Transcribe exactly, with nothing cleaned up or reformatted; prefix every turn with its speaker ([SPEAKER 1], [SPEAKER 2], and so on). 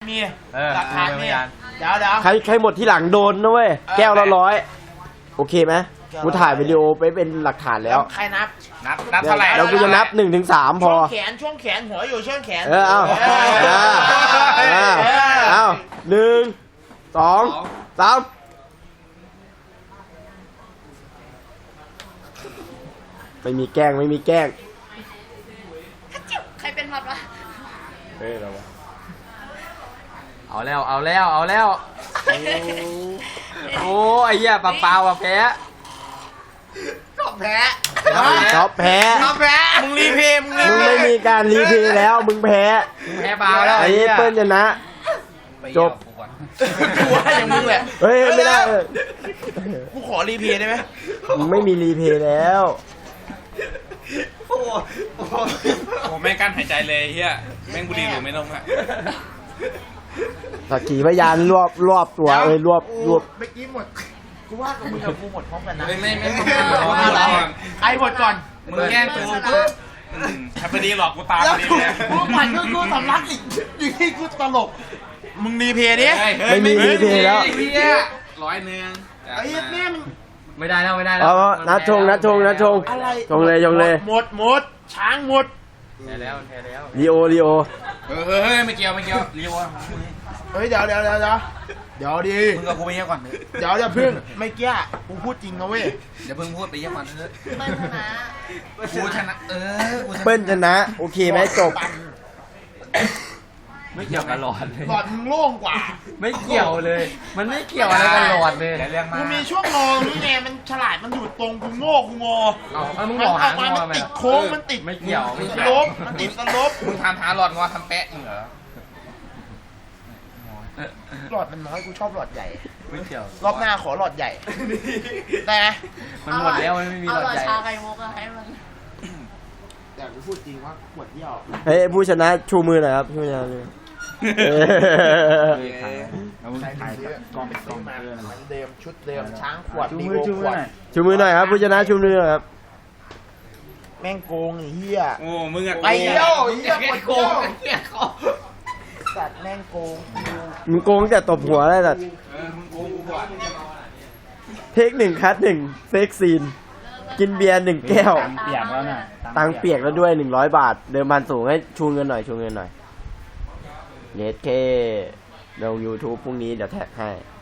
[SPEAKER 1] มีหลักฐานมีเดี๋ยวเดี๋ยว
[SPEAKER 2] ใครใครหมดที่หลังโดนนะเว้ยแก้วละร้อยโอเคไหมกูถ่ายวิดีโอไปเป็นหลักฐานแล้ว
[SPEAKER 1] ใครนับ
[SPEAKER 3] นับนับเท่าไหร่
[SPEAKER 2] เรากูจะนับหนึ่งถึงสามพอ
[SPEAKER 1] ช่วงแขนช่วงแขนหัวอยู่ช่วงแขน
[SPEAKER 2] เออเอาเอาเอาหนึ่งสองสามไม่มีแกล้งไม่มีแกล้ง
[SPEAKER 4] ใครเป็นพัดวะ
[SPEAKER 2] เฮ้ยเรา
[SPEAKER 3] เอาแล้วเอาแล้วเอาแล้วโอ้ไอ้เหี้ยปลาเปล่าอะแพ้
[SPEAKER 1] ก็แพ้
[SPEAKER 2] ชอบแพ้
[SPEAKER 1] ชอบแพ้มึงรีเพย์มึงรี
[SPEAKER 2] มึงไม่มีการรีเพย์แล้วมึงแพ้
[SPEAKER 3] มึงแพ้เปล่าแล้ว
[SPEAKER 2] ไอ้เปิ้ลชนะจบ
[SPEAKER 1] กูว่าอย่างมึงแหละ
[SPEAKER 2] เฮ้ยไม่ได้
[SPEAKER 1] กูขอรีเพย์ได้ไหม
[SPEAKER 2] มึงไม่มีรีเพย์แล้ว
[SPEAKER 3] โอ้โหแม่งกั้นหายใจเลยเฮียแม่งบุหรี่หรือไม่นมอะ
[SPEAKER 2] สักขีพยานรวบรวบตัวเอ้ยรวบรวบ
[SPEAKER 1] เมื่อกี้หมดกูว่ากับมึงกับกูหมดพร้อมกันนะ
[SPEAKER 3] ไม่ไม่ไม่
[SPEAKER 1] ใครหมดก่อน
[SPEAKER 3] มึงแย่งกูปุ๊บถ้าพอดีหลอกกูตามพอดีเลย
[SPEAKER 1] กูผ่านก็กูสำลักอีกอยู่ที่กูตลกมึงรีเพย์ดิ
[SPEAKER 2] ไม่มีรีเพย์แล้ว
[SPEAKER 3] ร้อยหนึ่ง
[SPEAKER 1] ไอ้แม่
[SPEAKER 3] ไม่ได้แล้วไม่ได้แล้ว
[SPEAKER 2] เอานัดชงนัดชงนัดชงชงเลยชงเลย
[SPEAKER 1] หมดหมดช้างหมด
[SPEAKER 3] แพ้แล้วแพ้แล้ว
[SPEAKER 2] ลีโอลีโอ
[SPEAKER 3] เฮ้ยเฮ้ยไม่เกี่ยวไม่เกี่ยวลีโอ
[SPEAKER 1] เฮ้ยเดี๋ยวเดี๋ยวเดี๋ยวเดี๋ยวเดี๋ยวดี
[SPEAKER 3] มึงกับกูไปเยี่ยมก่อน
[SPEAKER 1] เดี๋ยวอย่าพึ่งไม่เกี้ยกูพูดจริงนะเว้ย
[SPEAKER 3] เดี๋ยวเพิ่งพูดไปเยี่ยมก่อนเถอะ
[SPEAKER 4] เปิ้ลชนะ
[SPEAKER 3] กูชนะเออ
[SPEAKER 2] เปิ้ลชนะโอเคไหมจบ
[SPEAKER 3] ไม่เกี่ยวกับหลอดเลย
[SPEAKER 1] หลอดมึงโล่งกว่า
[SPEAKER 3] ไม่เกี่ยวเลยมันไม่เกี่ยวอะไรกับหลอดเลย
[SPEAKER 1] กูมีช่วงงอนี่ไงมันฉลาดมันอยู่ตรงกูโง่กูงอ
[SPEAKER 3] เอามึง
[SPEAKER 1] บ
[SPEAKER 3] อกหาง
[SPEAKER 1] อมันติดโค้งมันติด
[SPEAKER 3] ไม่เกี่ยวไม่
[SPEAKER 1] สลบมันติดสลบ
[SPEAKER 3] มึงทำหาหลอดงอทำแปะมึงเหรอ
[SPEAKER 1] หลอดมันน้อยกูชอบหลอดใหญ่
[SPEAKER 3] ไม่เกี่ยว
[SPEAKER 1] รอบหน้าขอหลอดใหญ่ได้ไหม
[SPEAKER 3] มันหมดแล้วมันไม่มีหลอดใหญ่
[SPEAKER 4] เอาหลอดชาไก่มุกให้มัน
[SPEAKER 1] แต่กูพูดจริงว่าขวดเยี่ยว
[SPEAKER 2] เฮ้ยผู้ชนะชูมือหน่อยครับชูมือหน่อย
[SPEAKER 1] ใช้กองเป็นกองมาเหมือนเดิมชุดเดิมช้างขวดดีโอขวด
[SPEAKER 2] ชูมือหน่อยครับผู้ชนะชูมือหน่อยครับ
[SPEAKER 1] แม่งโกงไอ้เหี้ย
[SPEAKER 3] โอ้มึงอะ
[SPEAKER 1] ไปเยี่ยวเหี้ยโกงเหี้ยเขาสัตว์แม่งโกง
[SPEAKER 2] มึงโกงแต่ตบหัวได้สัตว์เทคหนึ่งคัดหนึ่งเซ็กซีนกินเบียร์หนึ่งแก้ว
[SPEAKER 3] เปียกแล้วน่ะ
[SPEAKER 2] ตังเปียกแล้วด้วยหนึ่งร้อยบาทเดิมพันสูงให้ชูเงินหน่อยชูเงินหน่อยเน็ตเคลง YouTube พรุ่งนี้เดี๋ยวแท็กให้